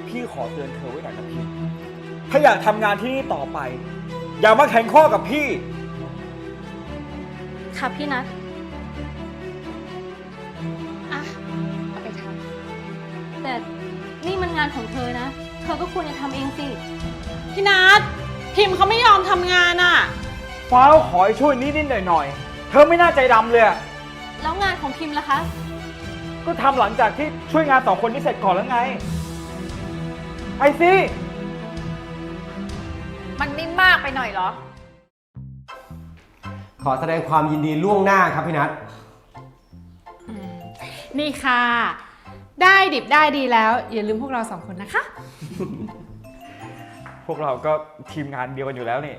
พี่ขอเตือนเธอไว้หน่อยนะพิมถ้าอยากทำงานที่นี่ต่อไป อย่ามาแข่งข้อกับพี่ค่ะพี่นัทอ่ะเอาไปทแต่นี่มันงานของเธอนะ เธอก็ควรจะทำเองสิำพี่นัทพิมพ์เขาไม่ยอมทำงานอ่ะฟ้าวขอให้ช่วยนิดๆหน่อยๆเธอไม่น่าใจดำเลยอะแล้วงานของพิมพ์ล่ะคะก็ทำหลังจากที่ช่วยงาน2 คนนี้เสร็จก่อนแล้วไงไปสิมันไม่มากไปหน่อยเหรอขอแสดงความยินดีล่วงหน้าครับพี่นัทนี่ค่ะ ได้ดิบได้ดีแล้ว อย่าลืมพวกเราสองคนนะคะพวกเราก็ทีมงานเดียวกันอยู่แล้วนี่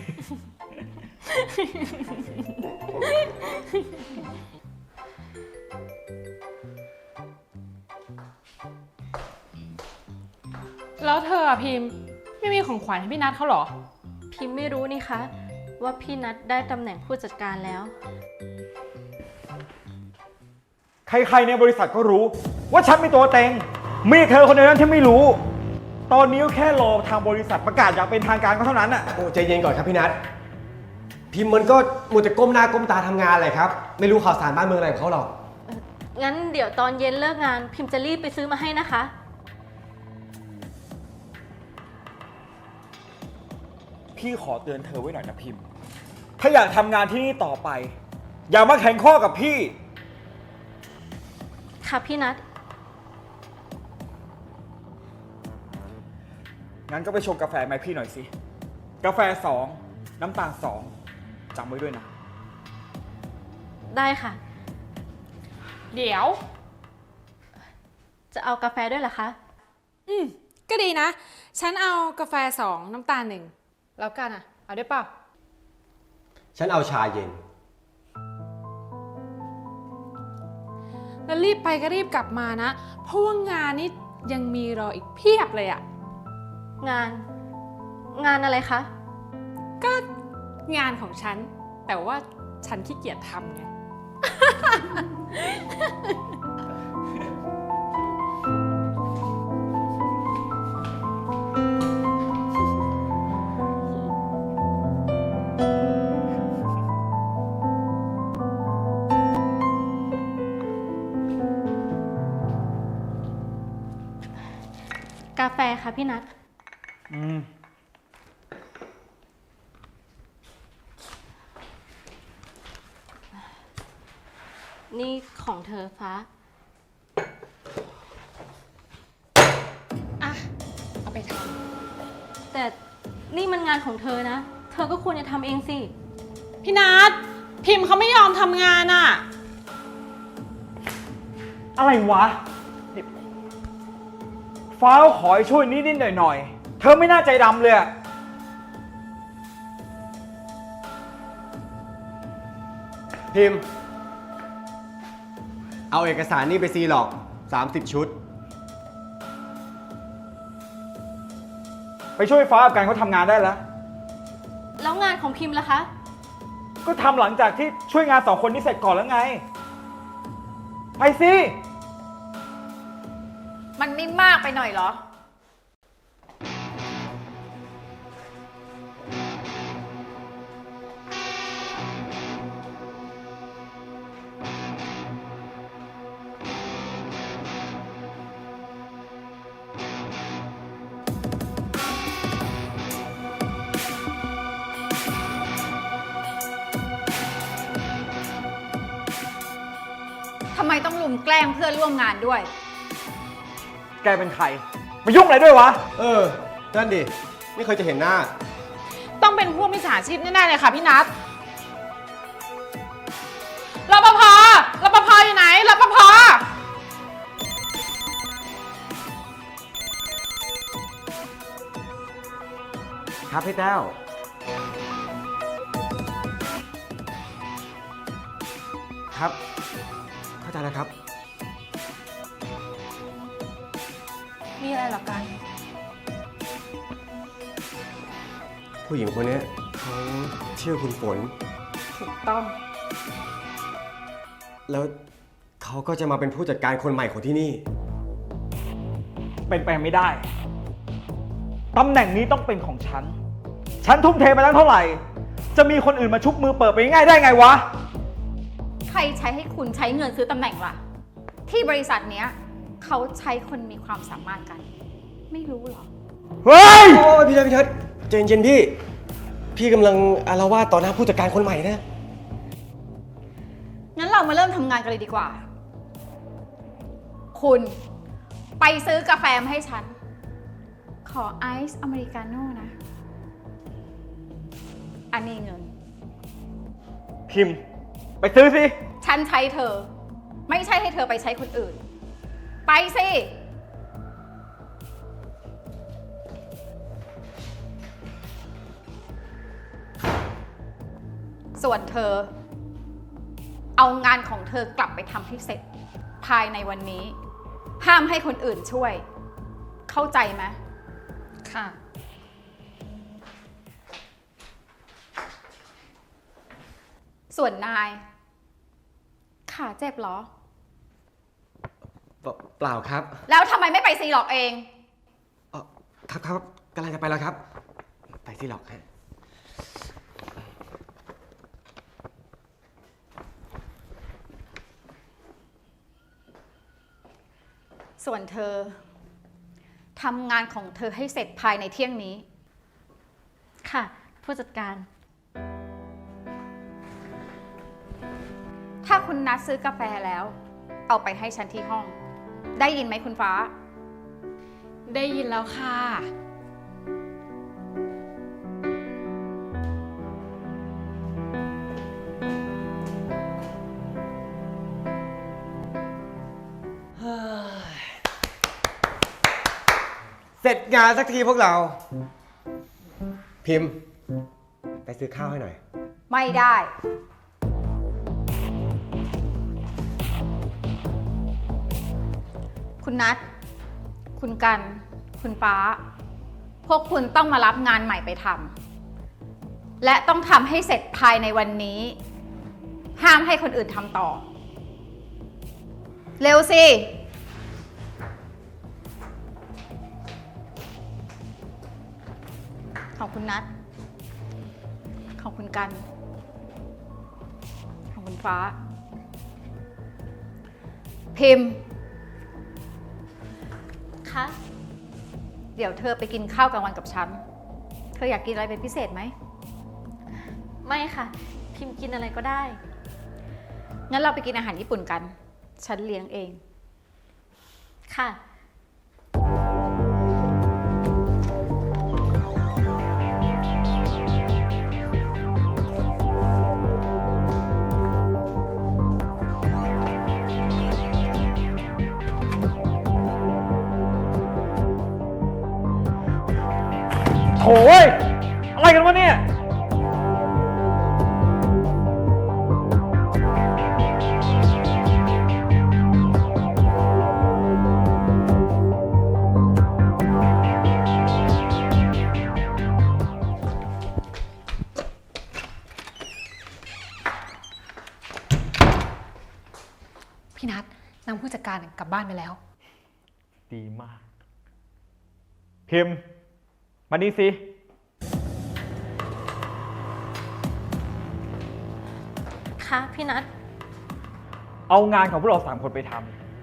แล้วเธออะพิมพ์ไม่มีของขวัญให้พี่นัทเขาเหรอพิมพ์ไม่รู้นี่คะ ว่าพี่นัทได้ตำแหน่งผู้จัดการแล้วใครๆในบริษัทก็รู้ว่าฉันเป็นตัวเต็งมีเธอคนเดียวนั้นที่ไม่รู้ ตอนนี้ก็แค่รอทางบริษัทประกาศอย่างเป็นทางการก็เท่านั้นน่ะโอ้ใจเย็นก่อนครับพี่นัทพิมพ์มันก็มัวแต่ก้มหน้าก้มตาทำงานเลยครับ ไม่รู้ข่าวสารบ้านเมืองอะไรของเขาหรอกงั้นเดี๋ยวตอนเย็นเลิกงาน พิมพ์จะรีบไปซื้อมาให้นะคะพี่ขอเตือนเธอไว้หน่อยนะพิมพ์ ถ้าอยากทำงานที่นี่ต่อไป อย่ามาแข่งข้อกับพี่ค่ะพี่นัทงั้นก็ไปชงกาแฟมาให้พี่หน่อยสิ กาแฟ2 น้ำตาล2จำไว้ด้วยนะได้ค่ะเดี๋ยวจะเอากาแฟด้วยเหรอคะก็ดีนะ ฉันเอากาแฟ2น้ำตาล1แล้วกันอ่ะ เอาได้เปล่าฉันเอาชาเย็นแล้วรีบไปก็รีบกลับมานะ เพราะว่างานนี้ยังมีรออีกเพียบเลยอ่ะงานอะไรคะก็งานของฉัน แต่ว่าฉันขี้เกียจทำไงกาแฟค่ะพี่นัท นี่ของเธอฟ้าอ่ะ เอาไปทแต่นี่มันงานของเธอนะ เธอก็ควรจะทำเองสิำพี่นัทพิมพ์เขาไม่ยอมทำงานอ่ะอะไรวะนี่ฟ้าวขอให้ช่วยนิดๆหน่อยๆเธอไม่น่าใจดำเลยอะพิมพ์ เอาเอกสารนี่ไปซีหรอก30 ชุดไปช่วยฟ้ากับการเขาทำงานได้แล้วแล้วงานของพิมพ์ล่ะคะก็ทำหลังจากที่ช่วยงาน2 คนนี้เสร็จก่อนแล้วไง ไปสิมันไม่มากไปหน่อยเหรอ ทำไมต้องลุมแกล้งเพื่อนร่วมงานด้วยแกเป็นใคร มายุ่งอะไรด้วยวะนั่นดิ ไม่เคยจะเห็นหน้าต้องเป็นพวกมิจฉาชีพแน่ๆเลยค่ะพี่นัทรปภรปภอยู่ไหนรปภครับพี่แต้ว ครับ เข้าใจแล้วครับมีอะไรหรอกันผู้หญิงคนนี้เขาชื่อคุณฝนถูกต้องแล้วเขาก็จะมาเป็นผู้จัดการคนใหม่ของที่นี่เป็นไปไม่ได้ ตำแหน่งนี้ต้องเป็นของฉัน ฉันทุ่มเทไปตั้งเท่าไหร่ จะมีคนอื่นมาชุบมือเปิดไปง่ายได้ไงวะใครใช้ให้คุณใช้เงินซื้อตำแหน่งล่ะ ที่บริษัทเนี้ยเขาใช้คนมีความสามารถกัน ไม่รู้เหรอเฮ้ยโอ้ยพี่เทิดใจเย็นๆพี่ พี่กำลังอาละวาดต่อหน้าผู้จัดการคนใหม่นะงั้นเรามาเริ่มทำงานกันเลยดีกว่า คุณไปซื้อกาแฟมาให้ฉัน ขอไอซ์อเมริกาโน่นะ อันนี้เงินพิมพ์ ไปซื้อสิฉันใช้เธอ ไม่ใช่ให้เธอไปใช้คนอื่น ไปสิ ส่วนเธอ เอางานของเธอกลับไปทำให้เสร็จ ภายในวันนี้ ห้ามให้คนอื่นช่วย เข้าใจไหมค่ะส่วนนาย ขาเจ็บเหรอเปล่าครับแล้วทำไมไม่ไปซีหลอกเองครับกำลังจะไปแล้วครับ ไปที่หรอกฮะส่วนเธอทำงานของเธอให้เสร็จภายในเที่ยงนี้ค่ะ ผู้จัดการถ้าคุณนัดซื้อกาแฟแล้ว เอาไปให้ฉันที่ห้อง ได้ยินไหมคุณฟ้าได้ยินแล้วค่ะเสร็จงานสักทีพวกเรา พิมพ์ ไปซื้อข้าวให้หน่อยไม่ได้ คุณนัทคุณกัน คุณฟ้า พวกคุณต้องมารับงานใหม่ไปทำ และต้องทำให้เสร็จภายในวันนี้ ห้ามให้คนอื่นทำต่อ เร็วสิ ของคุณนัทของคุณกัน ของคุณฟ้า พิมพ์คะเดี๋ยวเธอไปกินข้าวกลางวันกับฉัน เธออยากกินอะไรเป็นพิเศษไหมไม่ค่ะ พิมพ์กินอะไรก็ได้งั้นเราไปกินอาหารญี่ปุ่นกัน ฉันเลี้ยงเองค่ะโถ่เว้ย อะไรกันวะเนี่ยพี่นัทนำผู้จัดการกลับบ้านไปแล้วดีมาก พิมพ์ มานี่สิค่ะพี่นัทเอางานของพวกเรา3 คนไปท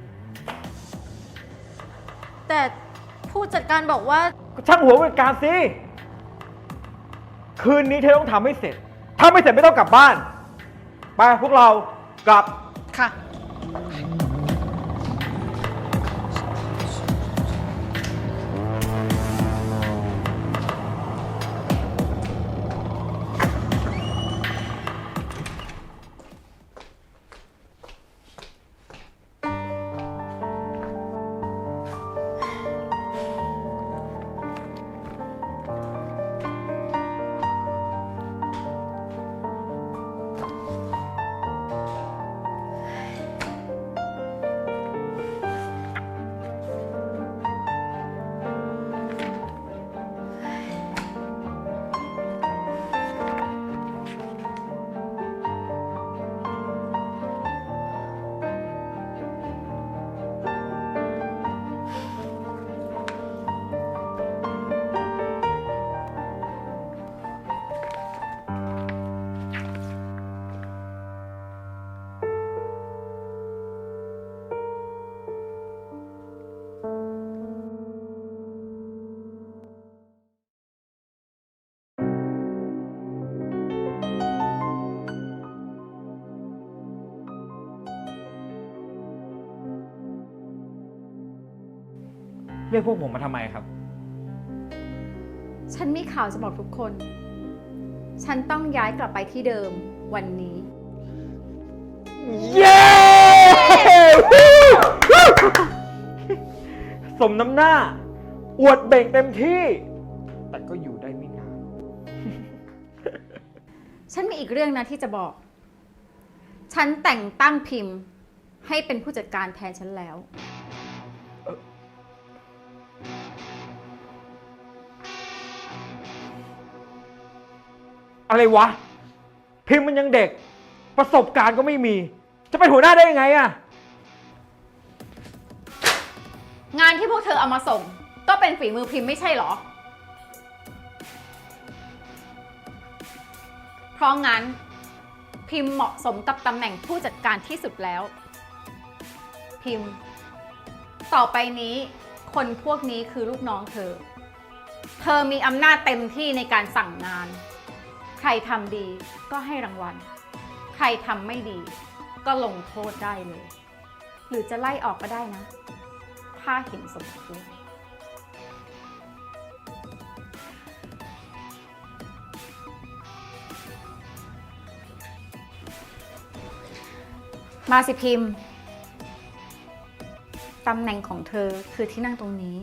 แต่ผู้จัดการบอกว่าำก็ช่างหัวผู้จัดการสิ คืนนี้เธอต้องทำให้เสร็จ ถ้าไม่เสร็จไม่ต้องกลับบ้าน ไปพวกเรากลับค่ะพเรียกพวกผมมาทำไมครับฉันมีข่าวจะบอกทุกคน ฉันต้องย้ายกลับไปที่เดิมวันนี้เย้ สมน้ำหน้า อวดเบ่งเต็มที่ แต่ก็อยู่ได้ไม่นานฉันมีอีกเรื่องนะที่จะบอก ฉันแต่งตั้งพิมพ์ให้เป็นผู้จัดการแทนฉันแล้วอะไรวะ พิมพ์มันยังเด็ก ประสบการณ์ก็ไม่มี จะเป็นหัวหน้าได้ยังไงอะงานที่พวกเธอเอามาส่ง ก็เป็นฝีมือพิมพ์ไม่ใช่เหรอ เพราะงั้นพิมพ์เหมาะสมกับตำแหน่งผู้จัดการที่สุดแล้ว พิมพ์ ต่อไปนี้คนพวกนี้คือลูกน้องเธอ เธอมีอำนาจเต็มที่ในการสั่งงาน ใครทำดีก็ให้รางวัล ใครทำไม่ดีก็ลงโทษได้เลย หรือจะไล่ออกก็ได้นะ ถ้าเห็นสมควร มาสิพิมพ์ ตำแหน่งของเธอคือที่นั่งตรงนี้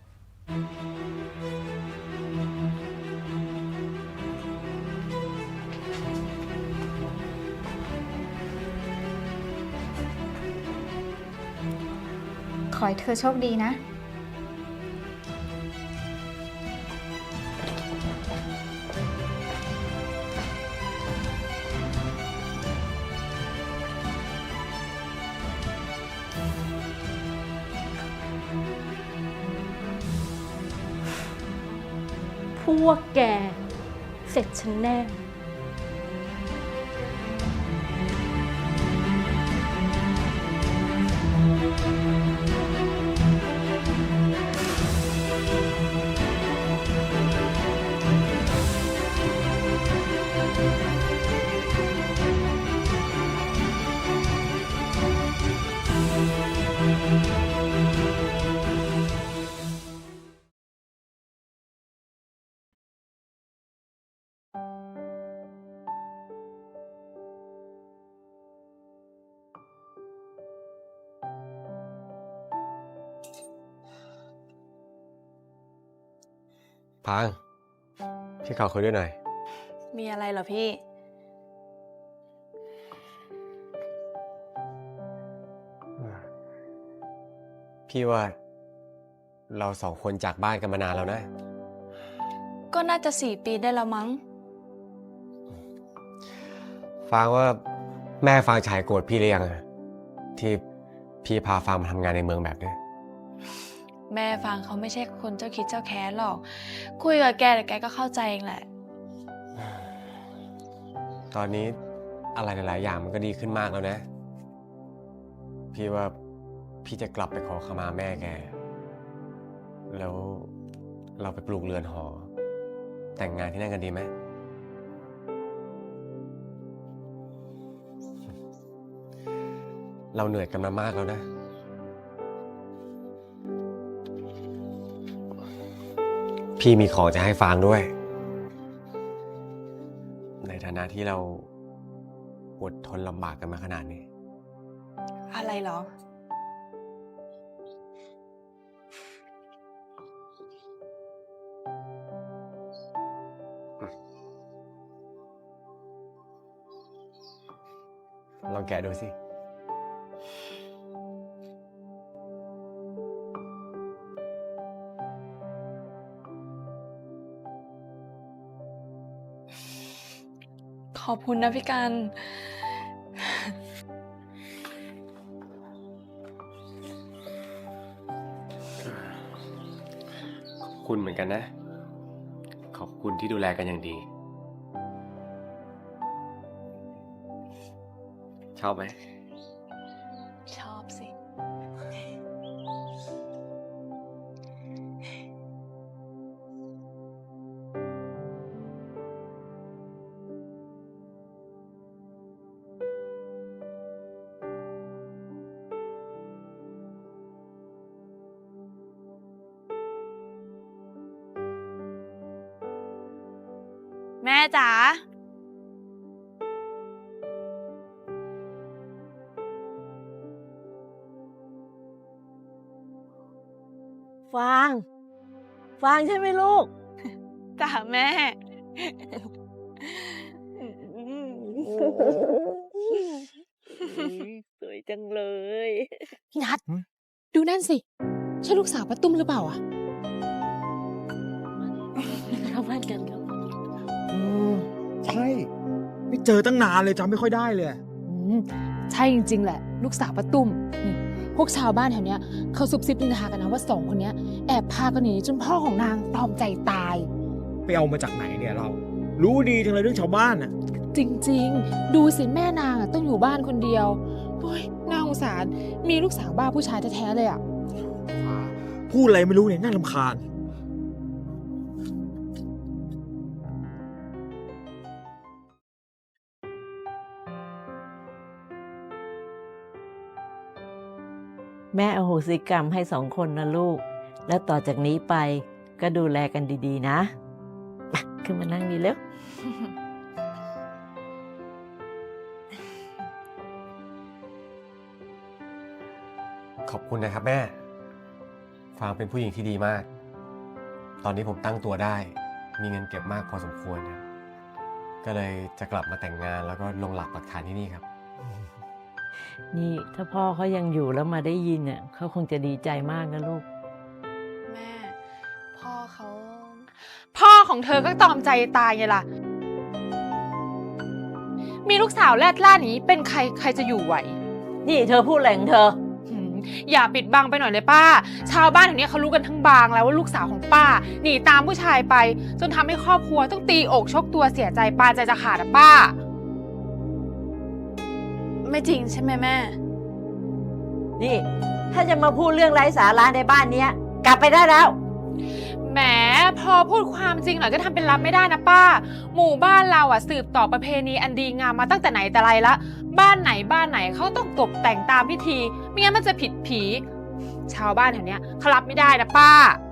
ขอให้เธอโชคดีนะพวกแก เสร็จฉันแน่พางพี่ขอคุยด้วยหน่อยมีอะไรเหรอพี่พี่ว่าเราสองคนจากบ้านกันมานานแล้วนะก็น่าจะ4 ปีได้แล้วมั้งฟางว่าแม่ฟางฉายโกรธพี่หรือยังอะที่พี่พาฟางมาทำงานในเมืองแบบนี้แม่ฟังเขาไม่ใช่คนเจ้าคิดเจ้าแค้นหรอก คุยกับแกแต่แกก็เข้าใจเองแหละตอนนี้อะไรหลายๆอย่างมันก็ดีขึ้นมากแล้วนะ พี่ว่าพี่จะกลับไปขอขมาแม่แก แล้วเราไปปลูกเรือนหอ แต่งงานที่นั่นกันดีไหม เราเหนื่อยกันมามากแล้วนะ พี่มีของจะให้ฟางด้วย ในฐานะที่เราอดทนลำบากกันมาขนาดนี้อะไรเหรอลองแกะดูสิขอบคุณนะพี่กันขอบคุณเหมือนกันนะ ขอบคุณที่ดูแลกันอย่างดี ชอบไหมชอบสิพแม่จ๋าฟาง ฟางใช่ไหมลูกจ๋าแม่สวยจังเลยพี่นัทดูนั่นสิ ใช่ลูกสาวป้าตุ้มหรือเปล่าอะเข้าบ้านกันครับใช่ ไม่เจอตั้งนานเลยจำไม่ค่อยได้เลยใช่จริงๆแหละ ลูกสาวป้าตุ้มนี่พวกชาวบ้านแถวเนี้ยเขาซุบซิบนินทากันนะว่าสองคนเนี้ยแอบพากันหนีจนพ่อของนางตรอมใจตายไปเอามาจากไหนเนี่ยเรา รู้ดีจังเลยเรื่องชาวบ้านน่ะจริงๆ ดูสิแม่นางอะต้องอยู่บ้านคนเดียวโอ้ยน่าสงสารมีลูกสาวบ้าผู้ชายแท้ๆเลยอะพูดอะไรไม่รู้เนี่ยน่ารำคาญแม่อโหสิกรรมให้สองคนนะลูก แล้วต่อจากนี้ไปก็ดูแลกันดีๆนะมาขึ้นมานั่งดีเร็วขอบคุณนะครับแม่ ฟางเป็นผู้หญิงที่ดีมาก ตอนนี้ผมตั้งตัวได้ มีเงินเก็บมากพอสมควรครับก็เลยจะกลับมาแต่งงานแล้วก็ลงหลักปักฐานที่นี่ครับนี่ถ้าพ่อเขายังอยู่แล้วมาได้ยินเนี่ยเขาคงจะดีใจมากนะลูกแม่ พ่อพ่อของเธอก็ตรอมใจตายไงล่ะ มีลูกสาวแรดล่านี้เป็นใครจะอยู่ไหวนี่เธอพูดอะไรของเธออย่าปิดบังไปหน่อยเลยป้า ชาวบ้านแถวนี้เขารู้กันทั้งบางแล้วว่าลูกสาวของป้าหนีตามผู้ชายไป จนทำให้ครอบครัวต้องตีอกชกตัวเสียใจปานใจจะขาดอะป้าไม่จริงใช่ไหมแม่นี่ ถ้าจะมาพูดเรื่องไร้สาระในบ้านเนี้ย กลับไปได้แล้วแหมพอพูดความจริงหน่อยก็ทำเป็นรับไม่ได้นะป้า หมู่บ้านเราอ่ะสืบต่อประเพณีอันดีงามมาตั้งแต่ไหนแต่ไรละบ้านไหนเขาต้องตกแต่งตามพิธีไม่งั้นมันจะผิดผี ชาวบ้านแถวเนี้ยเขารับไม่ได้นะป้า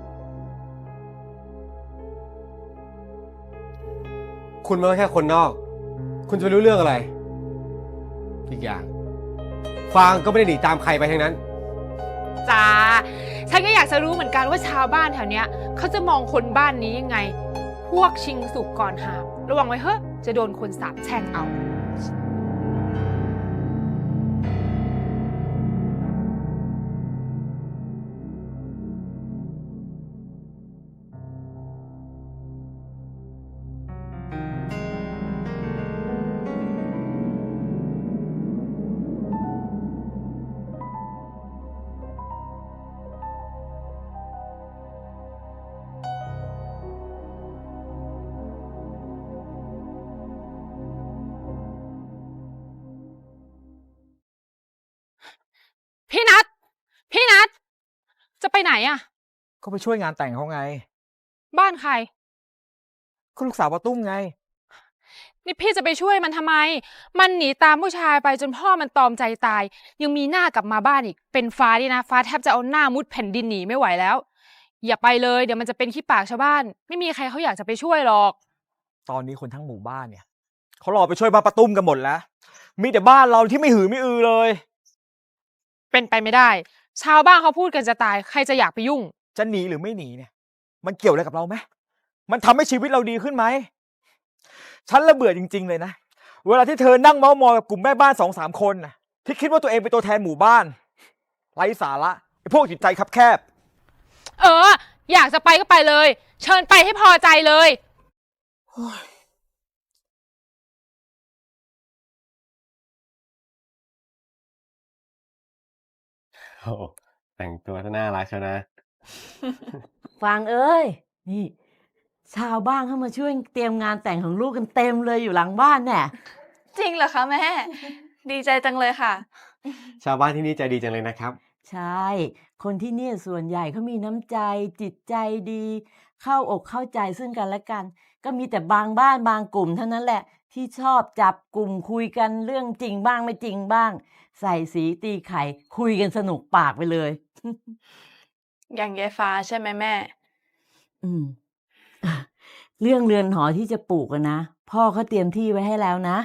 คุณมันก็แค่คนนอก คุณจะไปรู้เรื่องอะไร อีกอย่าง ฟางก็ไม่ได้หนีตามใครไปทั้งนั้นจ้า ฉันก็อยากจะรู้เหมือนกันว่าชาวบ้านแถวเนี้ยเขาจะมองคนบ้านนี้ยังไง พวกชิงสุกก่อนหามระวังไว้เฮ้จะโดนคนสาปแช่งเอา พี่นัทจะไปไหนอะก็ไปช่วยงานแต่งเขาไงบ้านใครก็ลูกสาวป้าตุ้มไงนี่พี่จะไปช่วยมันทำไม มันหนีตามผู้ชายไปจนพ่อมันตรอมใจตาย ยังมีหน้ากลับมาบ้านอีก เป็นฟ้าดินะ ฟ้าแทบจะเอาหน้ามุดแผ่นดินหนีไม่ไหวแล้ว อย่าไปเลยเดี๋ยวมันจะเป็นขี้ปากชาวบ้าน ไม่มีใครเขาอยากจะไปช่วยหรอกตอนนี้คนทั้งหมู่บ้านเนี่ยเขารอไปช่วยบ้านป้าตุ้มกันหมดแล้ว มีแต่บ้านเราที่ไม่หือไม่อือเลยเป็นไปไม่ได้ ชาวบ้านเขาพูดกันจะตาย ใครจะอยากไปยุ่งจะหนีหรือไม่หนีเนี่ย มันเกี่ยวอะไรกับเราไหมมันทำให้ชีวิตเราดีขึ้นไหม ฉันระเบื่อจริงๆเลยนะ เวลาที่เธอนั่งเม้ามอยกับกลุ่มแม่บ้าน2-3 คนนะที่คิดว่าตัวเองเป็นตัวแทนหมู่บ้าน ไร้สาระไอ้พวกจิตใจคับแคบอยากจะไปก็ไปเลย เชิญไปให้พอใจเลยโอ้แต่งตัวน่ารักเชียวนะฟางเอ้ย นี่ ชาวบ้านเข้ามาช่วยเตรียมงานแต่งของลูกกันเต็มเลยอยู่หลังบ้านเนี่ยจริงเหรอคะแม่ ดีใจจังเลยค่ะชาวบ้านที่นี่ใจดีจังเลยนะครับใช่ คนที่เนี่ยส่วนใหญ่เขามีน้ำใจ จิตใจดี เข้าอกเข้าใจซึ่งกันและกัน ก็มีแต่บางบ้านบางกลุ่มเท่านั้นแหละ ที่ชอบจับกลุ่มคุยกันเรื่องจริงบ้างไม่จริงบ้าง ใส่สีตีไข่คุยกันสนุกปากไปเลยอย่างยายฟ้าใช่ไหมแม่อืมเรื่องเรือนหอที่จะปลูกอะนะ พ่อเขาเตรียมที่ไว้ให้แล้วนะ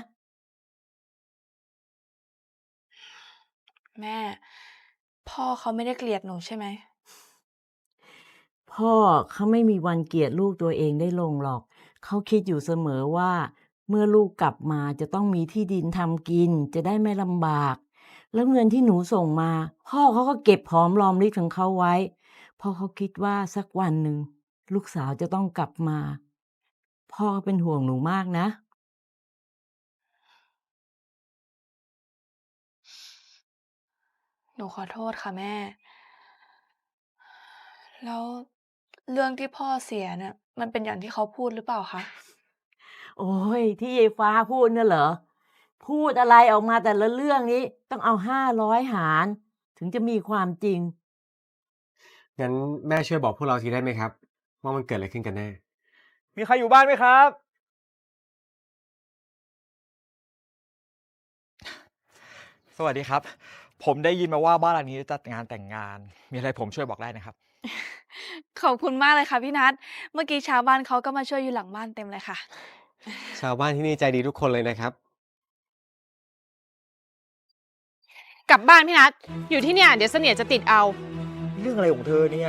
แม่ พ่อเขาไม่ได้เกลียดหนูใช่ไหมพ่อเขาไม่มีวันเกลียดลูกตัวเองได้ลงหรอก เขาคิดอยู่เสมอว่า เมื่อลูกกลับมาจะต้องมีที่ดินทำกิน จะได้ไม่ลำบาก แล้วเงินที่หนูส่งมา พ่อเขาก็เก็บหอมรอมริบของเขาไว้ เพราะเขาคิดว่าสักวันหนึ่งลูกสาวจะต้องกลับมา พ่อก็เป็นห่วงหนูมากนะหนูขอโทษค่ะแม่ แล้วเรื่องที่พ่อเสียเนี่ยมันเป็นอย่างที่เขาพูดหรือเปล่าคะโอ้ยที่ยายฟ้าพูดน่ะเหรอ พูดอะไรออกมาแต่ละเรื่องนี้ต้องเอา500หาร ถึงจะมีความจริงงั้นแม่ช่วยบอกพวกเราทีได้ไหมครับ ว่ามันเกิดอะไรขึ้นกันแน่มีใครอยู่บ้านไหมครับ สวัสดีครับ ผมได้ยินมาว่าบ้านหลังนี้จะจัดงานแต่งงาน มีอะไรผมช่วยบอกได้นะครับขอบคุณมากเลยค่ะพี่นัท เมื่อกี้ชาวบ้านเขาก็มาช่วยอยู่หลังบ้านเต็มเลยค่ะชาวบ้านที่นี่ใจดีทุกคนเลยนะครับกลับบ้านพี่นัทอยู่ที่เนี่ยเดี๋ยวเสนียดจะติดเอาเรื่องอะไรของเธอเนี่ย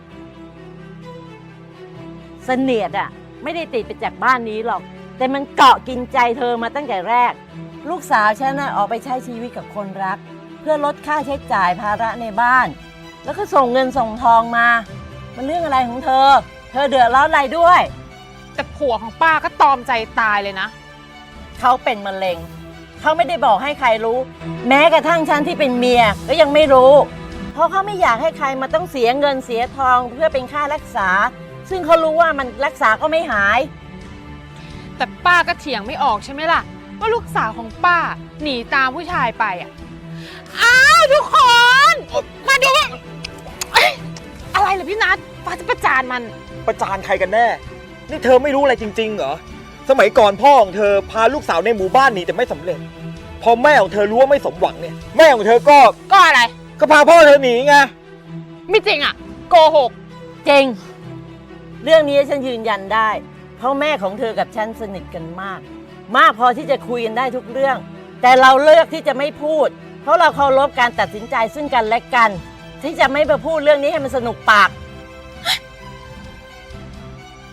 เสนียดอะไม่ได้ติดไปจากบ้านนี้หรอก แต่มันเกาะกินใจเธอมาตั้งแต่แรก ลูกสาวฉันน่ะออกไปใช้ชีวิตกับคนรัก เพื่อลดค่าใช้จ่ายภาระในบ้าน แล้วก็ส่งเงินส่งทองมา มันเรื่องอะไรของเธอ เธอเดือดร้อนอะไรด้วยแต่ผัวของป้าก็ตอมใจตายเลยนะเขาเป็นมะเร็ง เขาไม่ได้บอกให้ใครรู้ แม้กระทั่งฉันที่เป็นเมียก็ยังไม่รู้ เพราะเขาไม่อยากให้ใครมาต้องเสียเงินเสียทองเพื่อเป็นค่ารักษา ซึ่งเขารู้ว่ามันรักษาก็ไม่หายแต่ป้าก็เถียงไม่ออกใช่ไหมล่ะ ว่าลูกสาวของป้าหนีตามผู้ชายไปอ่ะ อ้าวทุกคน มาดูว่าเอ้ยอะไรเหรอพี่นัทป้าจะประจานมันประจานใครกันแน่ นี่เธอไม่รู้อะไรจริงๆเหรอ สมัยก่อนพ่อของเธอพาลูกสาวในหมู่บ้านหนีแต่ไม่สำเร็จ พอแม่ของเธอรู้ว่าไม่สมหวังเนี่ย แม่ของเธอก็ก็อะไรก็พาพ่อเธอหนีไงไม่จริงอ่ะ โกหกจริง เรื่องนี้ฉันยืนยันได้ เพราะแม่ของเธอกับฉันสนิทกันมาก มากพอที่จะคุยกันได้ทุกเรื่อง แต่เราเลือกที่จะไม่พูด เพราะเราเคารพการตัดสินใจซึ่งกันและกัน ที่จะไม่มาพูดเรื่องนี้ให้มันสนุกปาก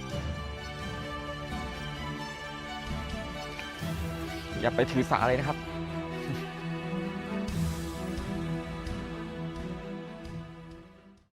อย่าไปถือสาเลยนะครับ